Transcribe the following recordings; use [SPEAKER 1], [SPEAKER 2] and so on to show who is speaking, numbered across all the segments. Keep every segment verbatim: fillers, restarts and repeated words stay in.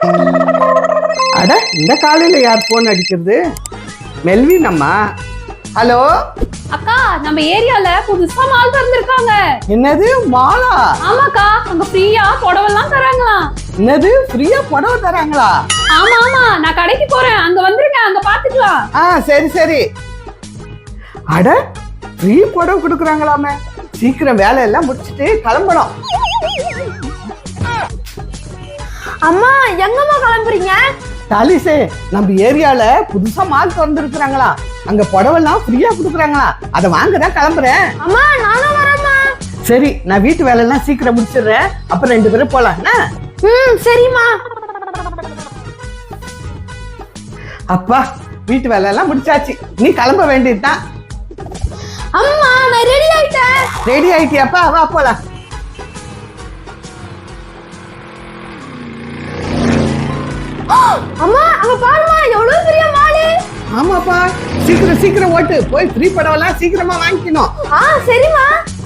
[SPEAKER 1] அட இந்த காலையில யார் போன் அடிக்கிறது? மெல்வின் அம்மா. ஹலோ
[SPEAKER 2] அக்கா, நம்ம ஏரியால புதுசா மால் திறந்திருக்காங்க.
[SPEAKER 1] என்னது மாலா?
[SPEAKER 2] ஆமாக்கா, அங்க ஃப்ரீயா புடவெல்லாம் தராங்களாம்.
[SPEAKER 1] என்னது ஃப்ரீயா புடவை தராங்களா?
[SPEAKER 2] ஆமா ஆமா, நான் கடைக்கு போறேன், அங்க வந்துருங்க, அங்க பாத்துக்கலாம்.
[SPEAKER 1] ஆ சரி சரி. அட ஃப்ரீ புடவை கொடுக்குறாங்களாமே, சீக்கிரம் வேலை எல்லாம் முடிச்சிட்டு கிளம்பணும்.
[SPEAKER 3] அம்மா எங்கம்மா கிளம்புறீங்க?
[SPEAKER 1] தாலிசே, நம்ம ஏரியால புதுசா மால் திறந்துருக்குறாங்களா, அங்க புடவெல்லாம் ஃப்ரீயா கொடுக்குறாங்களா, அதை வாங்கதான் கிளம்புறேன்.
[SPEAKER 3] அம்மா நானும் வரேம்மா.
[SPEAKER 1] சரி, நான் வீட்டு வேலை எல்லாம் சீக்கிரம் முடிச்சிடுறேன், அப்புறம் ரெண்டு பேரும் போலாம்.
[SPEAKER 3] ம் சரிம்மா.
[SPEAKER 1] அப்பா, வீட்டு வேலை எல்லாம் முடிச்சாச்சு, நீ கிளம்ப வேண்டியதுதான்.
[SPEAKER 3] அம்மா நான் ரெடி ஆயிட்டேன்.
[SPEAKER 1] ரெடி ஆயிட்டியாப்பா? வா போலாம்.
[SPEAKER 3] அம்மா அங்க பாருமா, எவ்வளவு பெரிய மாலு.
[SPEAKER 1] ஆமாப்பா, சீக்கிரம் சீக்கிரம் ஓட்டு, போய் ஃப்ரீ படவெல்லாம் சீக்கிரமா வாங்கிக்கணும்.
[SPEAKER 3] ஆ சரிம்மா.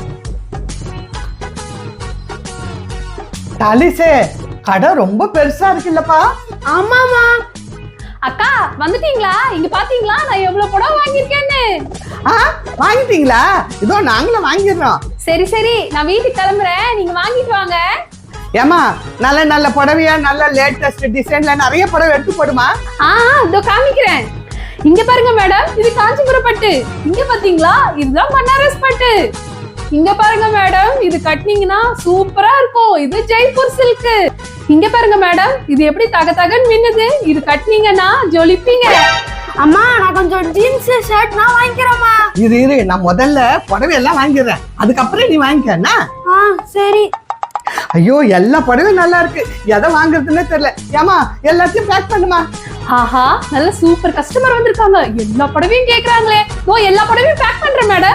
[SPEAKER 1] தாலிசே, கடை ரொம்ப பெருசா இருக்குல்லப்பா?
[SPEAKER 3] ஆமாமா.
[SPEAKER 2] அக்கா வந்துட்டீங்களா? இங்க பாத்தீங்களா நான் எவ்வளவு புடவை வாங்கியிருக்கேன்னு?
[SPEAKER 1] ஆ வாங்கிட்டீங்களா? இதோ நாங்களும் வாங்கிடுறோம்.
[SPEAKER 2] சரி சரி, நான் வீட்டுக்கு கிளம்புறேன், நீங்க வாங்கிட்டு வாங்க.
[SPEAKER 1] ஏமா, நல்ல நல்ல புடவையா, நல்ல லேட்டஸ்ட் டிசைன்ல நிறைய புடவை எடுத்து போடுமா.
[SPEAKER 2] ஆ இதோ காமிக்கிறேன். இங்க பாருங்க மேடம், இது காஞ்சிபுரம் பட்டு. இங்க பாத்தீங்களா, இதுதான் பனாரஸ் பட்டு. இங்க பாருங்க மேடம், இது கட்டினீங்கன்னா சூப்பரா இருக்கும், இது ஜெய்ப்பூர் சில்க். இங்க பாருங்க மேடம், இது எப்படி தக தகன்னு மின்னுது, இது கட்டினீங்கன்னா ஜொலிப்பீங்க.
[SPEAKER 3] அம்மா நான் கொஞ்சம் ஜீன்ஸ் ஷர்ட் நான் வாங்கிக்கிறேம்மா.
[SPEAKER 1] இரு இரு, நான் முதல்ல புடவை எல்லாம் வாங்கிடுறேன், அதுக்கப்புறம் நீ வாங்கிக்கன்னா.
[SPEAKER 3] ஆ சரி.
[SPEAKER 1] ஐயோ, எல்லா புடவையும் நல்லா இருக்கு, எதை வாங்குறதுன்னே தெரியல. ஏமா, எல்லாத்தையும் பேக் பண்ணுமா.
[SPEAKER 2] ஆஹா, நல்ல சூப்பர் கஸ்டமர் வந்திருக்காங்க, எல்லா புடவையும் கேக்குறாங்களே. ஓ, எல்லா புடவையும் பேக் பண்றேன் மேடம்.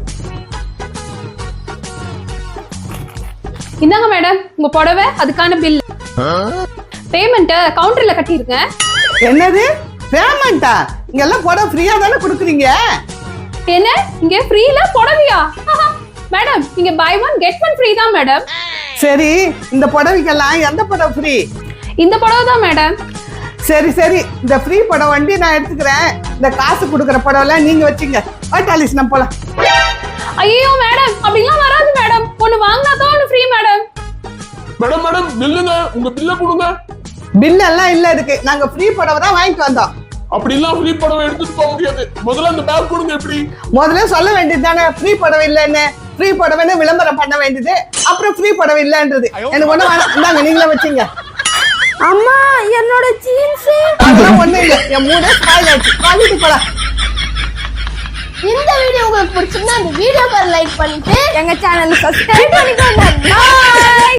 [SPEAKER 2] இந்தாங்க மேடம் உங்க புடவை, அதுக்கான பில். பேமெண்ட் கவுண்டர்ல கட்டிருங்க.
[SPEAKER 1] என்னது பேமெண்டா? இங்க எல்லாம் புடவை ஃப்ரீயா தானே கொடுக்குறீங்க?
[SPEAKER 2] என்ன, இங்க ஃப்ரீல புடவையா? மேடம், இங்க buy one get one free தான் மேடம்.
[SPEAKER 1] சரி, இந்த புடவைக்கெல்லாம் எந்த புடவை ஃப்ரீ?
[SPEAKER 2] இந்த புடவை தான் மேடம்.
[SPEAKER 1] சரி சரி, இந்த ஃப்ரீ புடவை வண்டி நான் எடுத்துக்கிறேன், இந்த காசு கொடுக்குற புடவைலாம் நீங்க வச்சுங்க. டாலிஸ், நம்ம போலாம்.
[SPEAKER 2] ஐயோ மேடம், அப்படிலாம் வராது மேடம், ஒன்னு வாங்கினா தான் ஒன்னு ஃப்ரீ மேடம்.
[SPEAKER 4] மேடம் மேடம் பில்லுங்க, உங்க பில்ல கொடுங்க.
[SPEAKER 1] பில் எல்லாம் இல்ல இருக்கு, நாங்க ஃப்ரீ புடவை தான் வாங்கிட்டு வந்தோம்.
[SPEAKER 4] அப்படி எல்லாம் ஃப்ரீ படவை எடுத்துட்டு போக முடியாது, முதல்ல அந்த பேக் கொடுங்க. எப்படி
[SPEAKER 1] முதல்ல சொல்ல வேண்டியது தானே ஃப்ரீ புடவை இல்லைன்னு? ஃப்ரீ புடவைன்னு விளம்பரம் பண்ண வேண்டியது, அப்புறம் ஃப்ரீ புடவை இல்லன்றது. எனக்கு ஒண்ணு வேணாம், இந்தாங்க நீங்களே வச்சுங்க.
[SPEAKER 3] அம்மா என்னோட ஜீன்ஸ்.
[SPEAKER 1] அதெல்லாம் ஒண்ணு இல்ல, என் மூணு ஸ்பாயில் ஆச்சு, வாங்கிட்டு போலாம்.
[SPEAKER 3] இந்த வீடியோ உங்களுக்கு பிடிச்சிருந்தா இந்த வீடியோக்கு லைக் பண்ணிட்டு எங்க சேனலை சப்ஸ்கிரைப் பண்ணிக்கோங்க. பாய்.